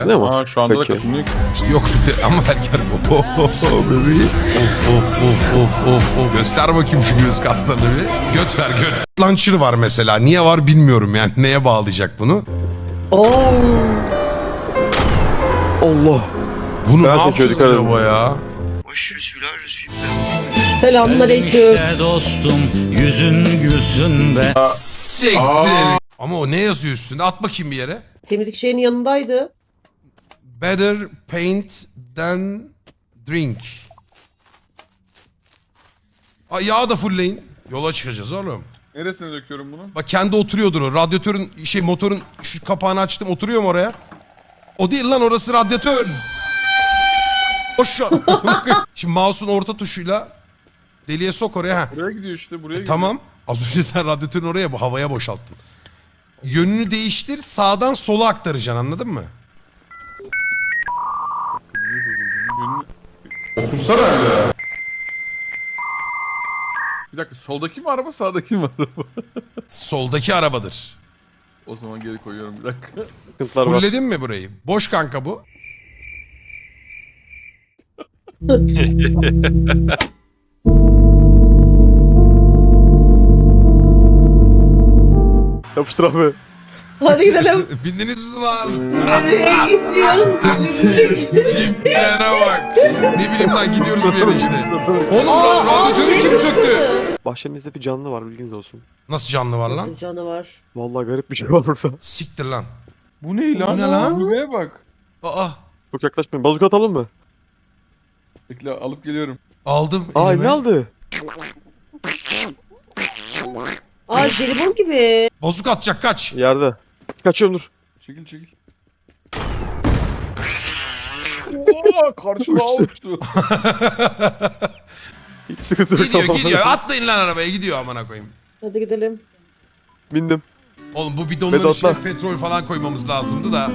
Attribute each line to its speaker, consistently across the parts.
Speaker 1: Ne mi?
Speaker 2: Aa şu anda
Speaker 1: Peki.
Speaker 2: da katılmıyor ki.
Speaker 3: Yok ama belki bebeğim. Of. Göster bakayım şu göğüs kaslarını bir. Göt ver göt. Launcher var mesela. Niye var bilmiyorum yani. Neye bağlayacak bunu?
Speaker 1: Allah.
Speaker 3: Bunu
Speaker 1: Ben
Speaker 3: ne yapacağız
Speaker 1: dikkat edin.
Speaker 3: acaba ya?
Speaker 4: Selamünaleyküm.
Speaker 5: İşte dostum yüzün gülsün be.
Speaker 3: Siktir. Ama o ne yazıyor üstünde? At bakayım bir yere.
Speaker 4: Temizlik şeyinin yanındaydı.
Speaker 3: Better paint than drink. Ay yağı da fullleyin. Yola çıkacağız oğlum.
Speaker 2: Neresine döküyorum bunu?
Speaker 3: Bak kendi oturuyordur o. Radyatörün motorun şu kapağını açtım oturuyor mu oraya? O değil lan orası radyatör. Boş şu an. Şimdi mouse'un orta tuşuyla deliğe sok oraya. Ha.
Speaker 2: Buraya gidiyor işte buraya gidiyor.
Speaker 3: Tamam. Az önce sen radyatörün oraya bu havaya boşalttın. Yönünü değiştir sağdan sola aktaracaksın anladın mı?
Speaker 2: Otursana öyle. Bir dakika soldaki mi araba sağdaki mi araba?
Speaker 3: Soldaki arabadır.
Speaker 2: O zaman geri koyuyorum bir dakika.
Speaker 1: Sıkıntılar var.
Speaker 3: Fulledin mi burayı? Boş kanka bu.
Speaker 1: Yapıştır abi.
Speaker 4: Hadi gidelim.
Speaker 3: Bindiniz mi lan?
Speaker 4: Nereye gidiyorsun?
Speaker 3: Tiplere bak. Ne bileyim lan gidiyoruz bir yere işte. Oğlum radyatörü kim söktü?
Speaker 1: Bahçemizde bir canlı var bilginiz olsun.
Speaker 3: Nasıl canlı var lan?
Speaker 4: Nasıl canavar?
Speaker 1: Vallahi garip bir şey var burada.
Speaker 3: Siktir lan.
Speaker 2: Bu ne lan?
Speaker 3: Bu ne lan?
Speaker 2: Buraya bak.
Speaker 3: Aa
Speaker 1: Çok yaklaşmayın. Bazuka atalım mı?
Speaker 2: Bekle alıp geliyorum.
Speaker 3: aldım
Speaker 1: Aa
Speaker 3: elime.
Speaker 1: ne aldı?
Speaker 4: Aa jelibon gibi.
Speaker 3: Bozuk atacak kaç.
Speaker 1: Yerde. Kaçıyorum dur.
Speaker 2: Çekil çekil. Oo, karşıma uçtu.
Speaker 1: Hiç sıkıntı yok.
Speaker 3: Gidiyor
Speaker 1: tamam.
Speaker 3: gidiyor. Atlayın lan arabaya gidiyor amına koyayım.
Speaker 4: Hadi gidelim.
Speaker 1: Bindim.
Speaker 3: Oğlum bu bidonların
Speaker 1: Vedat
Speaker 3: içine
Speaker 1: lan.
Speaker 3: petrol falan koymamız lazımdı da.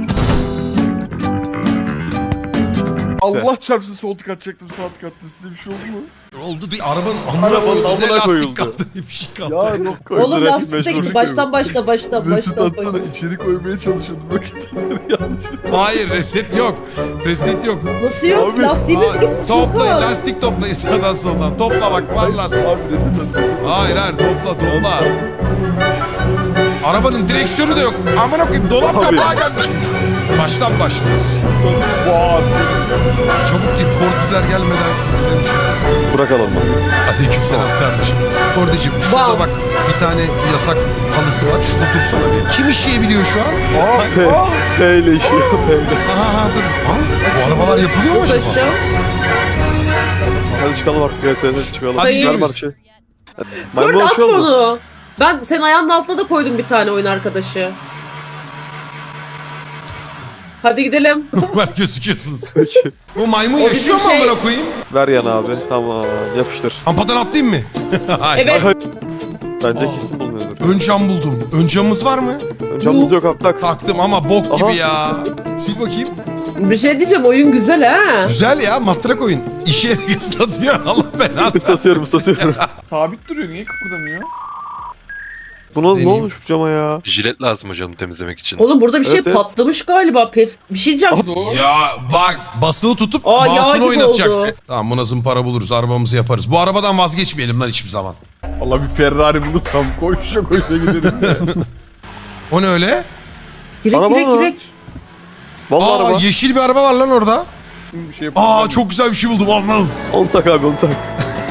Speaker 2: Allah çarpsın sol tık atacaktım sağ tık attım. Size bir şey oldu mu?
Speaker 3: Oldu bir arabanın amına
Speaker 1: Arabanın
Speaker 3: koyuldu. Ne
Speaker 1: amına
Speaker 3: lastik
Speaker 1: koyuldu.
Speaker 3: kaldı ne bir şey kaldı.
Speaker 1: Ya yok koydu.
Speaker 4: Oğlum
Speaker 1: direkt
Speaker 4: lastikte
Speaker 1: mecbur.
Speaker 4: gibi. Baştan başla baştan
Speaker 2: Resit atsana
Speaker 4: başla.
Speaker 2: içeri koymaya çalışıyordum. Bakın yanlışlıkla.
Speaker 3: Hayır reset yok. Reset yok.
Speaker 4: Nasıl yok?
Speaker 1: Abi,
Speaker 4: Lastiğimiz gitmiş.
Speaker 3: Toplayın
Speaker 4: Yok.
Speaker 3: lastik toplayın sağdan soldan. Topla bak var lastik.
Speaker 2: Abi resit at resit at.
Speaker 3: Hayır topla. Arabanın direksiyonu da yok. Amına koyayım dolap
Speaker 1: Abi.
Speaker 3: kapağı gelmiş. Baştan başlıyoruz.
Speaker 2: Vaa.
Speaker 3: Çabuk gir korkular gelmeden bitirelim şunu.
Speaker 1: Bırakalım bak.
Speaker 3: Aleykümselam kardeşim. Kordicim şurada
Speaker 4: Wow.
Speaker 3: bak bir tane yasak halısı var. Şurada dursana bir. Kim işleyebiliyor şu an?
Speaker 1: P ile işiyor. P ile.
Speaker 3: Aha dur. Lan, bu arabalar yapılıyor mu
Speaker 4: Nasıl
Speaker 3: acaba?
Speaker 4: aşağı?
Speaker 1: Hadi çıkalım artık. Evet çıkalım.
Speaker 3: Hadi
Speaker 1: Ver
Speaker 3: gidiyoruz.
Speaker 1: bana şey.
Speaker 4: Kurt
Speaker 1: Maymun
Speaker 4: atma
Speaker 1: şey oldu.
Speaker 4: onu. Ben senin ayağının altına da koydum bir tane oyun arkadaşı. Hadi gidelim.
Speaker 3: Normal gözüküyorsunuz.
Speaker 1: Peki.
Speaker 3: Bu maymun
Speaker 4: O
Speaker 3: yaşıyor mu
Speaker 4: bizim şey-
Speaker 3: amına koyayım?
Speaker 1: Ver yana abi. Tamam. Yapıştır.
Speaker 3: Rampadan atlayayım mı? Hayır.
Speaker 4: Evet.
Speaker 1: Bence
Speaker 3: Aa.
Speaker 1: kesin bulunuyordur.
Speaker 3: Ön cam buldum. Ön camımız var mı?
Speaker 1: Camımız yok abi tak.
Speaker 3: Taktım ama bok gibi
Speaker 1: Aha.
Speaker 3: ya. Sil bakayım.
Speaker 4: Bir şey diyeceğim oyun güzel ha.
Speaker 3: Güzel ya matrak oyun. İşe ıslatıyor Allah belanı.
Speaker 1: Islatıyorum ıslatıyorum.
Speaker 2: Sabit duruyor niye kıpırdamıyor?
Speaker 1: Bu nasıl ne
Speaker 3: Deneyeyim.
Speaker 1: olmuş bu cama ya?
Speaker 6: Jilet lazım hocam temizlemek için.
Speaker 4: Oğlum burada bir şey
Speaker 1: Evet, evet.
Speaker 4: patlamış galiba. Bir şey diyeceğim.
Speaker 3: Ya bak basılı tutup
Speaker 4: Aa, yağ
Speaker 3: mouse'unu
Speaker 4: gibi
Speaker 3: oynatacaksın.
Speaker 4: oldu.
Speaker 3: Tamam buna zımpara buluruz arabamızı yaparız. Bu arabadan vazgeçmeyelim lan hiçbir zaman.
Speaker 2: Allah bir Ferrari bulursam koşa koşa giderim de.
Speaker 3: O ne öyle?
Speaker 4: Girek
Speaker 1: Araba
Speaker 4: girek
Speaker 1: mı?
Speaker 4: girek.
Speaker 1: Vallahi
Speaker 3: Aa
Speaker 1: araba.
Speaker 3: yeşil bir araba var lan orada.
Speaker 2: Bir şey yapalım.
Speaker 3: Aa çok güzel bir şey buldum al.
Speaker 1: On tak abi on tak.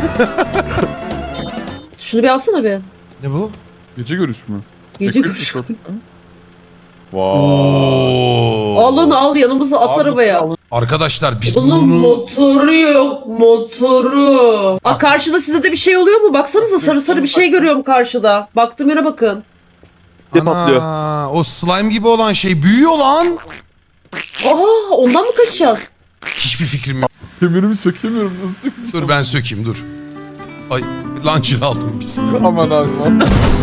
Speaker 4: Şunu bir alsana bir.
Speaker 3: Ne bu?
Speaker 2: Gece görüş mü?
Speaker 4: Gece
Speaker 2: Bekle,
Speaker 4: kuş.
Speaker 2: Vay.
Speaker 3: Oo.
Speaker 4: Al onu al yanımıza at arabaya.
Speaker 3: Arkadaşlar biz
Speaker 4: Bunun
Speaker 3: bunu...
Speaker 4: motoru yok motoru. Aa, karşıda size de bir şey oluyor mu? Baksanıza sarı sarı bir şey görüyorum karşıda. Baktım yere bakın.
Speaker 1: Ne patlıyor?
Speaker 3: Ana, o slime gibi olan şey büyüyor lan.
Speaker 4: Aa ondan mı kaçacağız?
Speaker 3: Hiçbir fikrim yok.
Speaker 2: Kemerimi sökemiyorum nasıl sökeceğim?
Speaker 3: Dur ben sökeyim dur. Ay launcher aldım biz.
Speaker 2: Aman abi aman.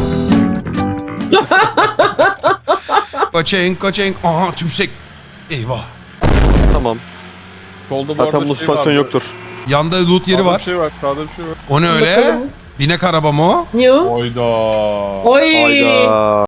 Speaker 3: Kaçayın. Aha tümsek. Eyvah.
Speaker 1: Tamam.
Speaker 2: Solda bu
Speaker 1: Zaten
Speaker 2: arada
Speaker 1: bu
Speaker 2: şey
Speaker 1: stasyon
Speaker 2: vardı.
Speaker 1: yoktur.
Speaker 3: Yanda loot yeri
Speaker 2: Sağda
Speaker 3: var.
Speaker 2: bir şey var sağda bir şey var.
Speaker 3: O ne öyle?
Speaker 4: Bakalım.
Speaker 3: Binek araba mı o?
Speaker 4: Ne o?
Speaker 2: Oyda.
Speaker 4: Oy.
Speaker 1: Hayda.